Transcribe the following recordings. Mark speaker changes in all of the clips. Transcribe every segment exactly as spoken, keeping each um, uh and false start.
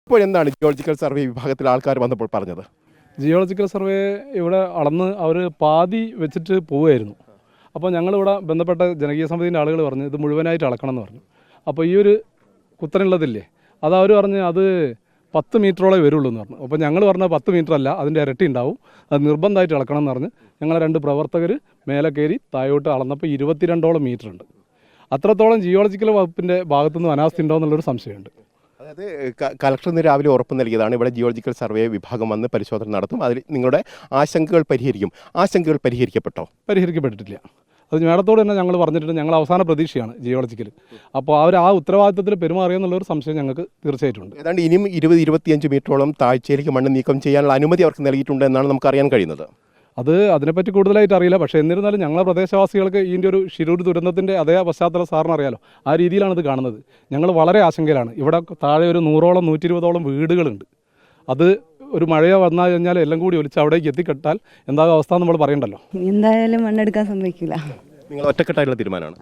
Speaker 1: ഇപ്പോൾ എന്താണ് geological survey വിഭാഗത്തിലെ ആൾക്കാർ വന്നപ്പോൾ പറഞ്ഞത്?
Speaker 2: ജിയോളജിക്കൽ സർവേ ഇവിടെ അളന്ന് അവർ പാതി വെച്ചിട്ട് പോവുമായിരുന്നു. അപ്പോൾ ഞങ്ങളിവിടെ ബന്ധപ്പെട്ട ജനകീയ സമിതിൻ്റെ ആളുകൾ പറഞ്ഞു ഇത് മുഴുവനായിട്ട് അളക്കണം എന്ന് പറഞ്ഞു. അപ്പോൾ ഈ ഒരു കുത്തനുള്ളതില്ലേ അത് അവർ പറഞ്ഞ് അത് പത്ത് മീറ്ററോളം വരുള്ളൂ എന്ന് പറഞ്ഞു. അപ്പോൾ ഞങ്ങൾ പറഞ്ഞാൽ പത്ത് മീറ്റർ അല്ല, അതിൻ്റെ ഇരട്ടി ഉണ്ടാവും, അത് നിർബന്ധമായിട്ട് അളക്കണം എന്ന് പറഞ്ഞ് ഞങ്ങളെ രണ്ട് പ്രവർത്തകർ മേലെ കയറി താഴോട്ട് അളന്നപ്പോൾ ഇരുപത്തിരണ്ടോളം മീറ്റർ ഉണ്ട്. അത്രത്തോളം ജിയോളജിക്കൽ വകുപ്പിൻ്റെ ഭാഗത്തുനിന്ന് അനാസ്ഥ ഉണ്ടോ എന്നുള്ളൊരു സംശയമുണ്ട്.
Speaker 1: അതായത് കളക്ടർ ഇന്ന് രാവിലെ ഉറപ്പ് നൽകിയതാണ് ഇവിടെ ജിയോളജിക്കൽ സർവേ വിഭാഗം വന്ന് പരിശോധന നടത്തും, അതിൽ നിങ്ങളുടെ ആശങ്കകൾ പരിഹരിക്കും. ആശങ്കകൾ പരിഹരിക്കപ്പെട്ടോ?
Speaker 2: പരിഹരിക്കപ്പെട്ടിട്ടില്ല. അത് മേഡത്തോട് തന്നെ ഞങ്ങൾ പറഞ്ഞിട്ടുണ്ട്. ഞങ്ങൾ അവസാന പ്രതീക്ഷയാണ് ജിയോളജിക്കൽ. അപ്പോൾ അവർ ആ ഉത്തരവാദിത്തത്തിൽ പെരുമാറിയെന്നുള്ളൊരു സംശയം ഞങ്ങൾക്ക് തീർച്ചയായിട്ടുണ്ട്.
Speaker 1: ഏതാണ്ട് ഇനിയും ഇരുപത് ഇരുപത്തിയഞ്ച് മീറ്ററോളം താഴ്ചയിലേക്ക് മണ്ണ് നീക്കം ചെയ്യാനുള്ള അനുമതി അവർക്ക് നൽകിയിട്ടുണ്ട് എന്നാണ് നമുക്ക് അറിയാൻ കഴിയുന്നത്.
Speaker 2: അത് അതിനെപ്പറ്റി കൂടുതലായിട്ട് അറിയില്ല. പക്ഷേ എന്നിരുന്നാലും ഞങ്ങളെ പ്രദേശവാസികൾക്ക് ഇതിൻ്റെ ഒരു ശിരൂർ ദുരന്തത്തിൻ്റെ അതേ പശ്ചാത്തലം സാറിന് അറിയാലോ, ആ രീതിയിലാണ് ഇത് കാണുന്നത്. ഞങ്ങൾ വളരെ ആശങ്കയിലാണ്. ഇവിടെ താഴെ ഒരു നൂറോളം നൂറ്റി ഇരുപതോളം വീടുകളുണ്ട്. അത് ഒരു മഴയോ വന്നാൽ കഴിഞ്ഞാൽ എല്ലാം കൂടി ഒലിച്ച് അവിടേക്ക് എത്തിക്കെട്ടാൽ എന്താകും അവസ്ഥ നമ്മൾ പറയണ്ടല്ലോ.
Speaker 3: എന്തായാലും മണ്ണെടുക്കാൻ സമ്മതിക്കില്ല.
Speaker 1: നിങ്ങൾ ഒറ്റക്കെട്ടായിട്ടുള്ള തീരുമാനമാണ്?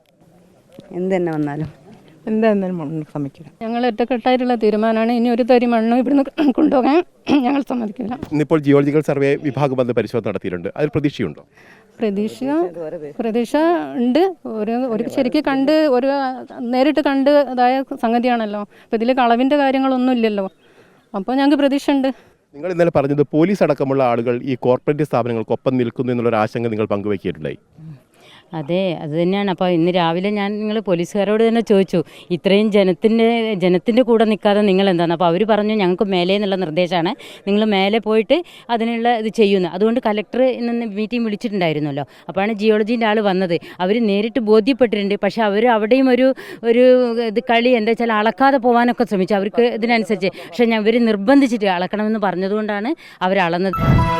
Speaker 3: എന്ത് തന്നെ വന്നാലും
Speaker 4: എന്തായാലും മണ്ണ് സമ്മതിക്കില്ല.
Speaker 5: ഞങ്ങൾ ഒറ്റക്കെട്ടായിട്ടുള്ള തീരുമാനമാണ്. ഇനി ഒരു തരി മണ്ണ് ഇവിടുന്ന് കൊണ്ടുപോകാൻ ഞങ്ങൾ സമ്മതിക്കില്ല.
Speaker 1: ഇന്നിപ്പോൾ ജിയോളജിക്കൽ സർവേ വിഭാഗം വന്ന് പരിശോധന നടത്തിയിട്ടുണ്ട്, അതിൽ പ്രതീക്ഷയുണ്ടോ?
Speaker 5: പ്രതീക്ഷ പ്രതീക്ഷ ഉണ്ട്. ഒരു ഒരു ശരിക്കും കണ്ട് ഒരു നേരിട്ട് കണ്ട് അതായ സംഗതിയാണല്ലോ. അപ്പോൾ ഇതിൽ കളവിൻ്റെ കാര്യങ്ങളൊന്നും ഇല്ലല്ലോ. അപ്പോൾ ഞങ്ങൾക്ക് പ്രതീക്ഷ ഉണ്ട്.
Speaker 1: നിങ്ങൾ ഇന്നലെ പറഞ്ഞത് പോലീസ് അടക്കമുള്ള ആളുകൾ ഈ കോർപ്പറേറ്റ് സ്ഥാപനങ്ങൾക്കൊപ്പം നിൽക്കുന്നു എന്നുള്ളൊരു ആശങ്ക നിങ്ങൾ പങ്കുവയ്ക്കിയിട്ടുണ്ടായി.
Speaker 6: അതെ, അത് തന്നെയാണ്. അപ്പോൾ ഇന്ന് രാവിലെ ഞാൻ നിങ്ങൾ പോലീസുകാരോട് തന്നെ ചോദിച്ചു, ഇത്രയും ജനത്തിൻ്റെ ജനത്തിൻ്റെ കൂടെ നിൽക്കാതെ നിങ്ങൾ എന്താണ്? അപ്പോൾ അവർ പറഞ്ഞു ഞങ്ങൾക്ക് മേലെ എന്നുള്ള നിർദ്ദേശമാണ്, നിങ്ങൾ മേലെ പോയിട്ട് അതിനുള്ള ഇത് ചെയ്യുന്നു. അതുകൊണ്ട് കലക്ടർ ഇന്ന് മീറ്റിംഗ് വിളിച്ചിട്ടുണ്ടായിരുന്നല്ലോ. അപ്പോഴാണ് ജിയോളജീൻ്റെ ആൾ വന്നത്. അവർ നേരിട്ട് ബോധ്യപ്പെട്ടിട്ടുണ്ട്. പക്ഷേ അവർ അവിടെയും ഒരു ഒരു ഇത് കളി എന്താ വെച്ചാൽ അളക്കാതെ പോകാനൊക്കെ ശ്രമിച്ചു അവർക്ക് ഇതിനനുസരിച്ച്. പക്ഷേ ഞാൻ ഇവർ നിർബന്ധിച്ചിട്ട് അളക്കണമെന്ന് പറഞ്ഞതുകൊണ്ടാണ് അവർ അളന്നത്.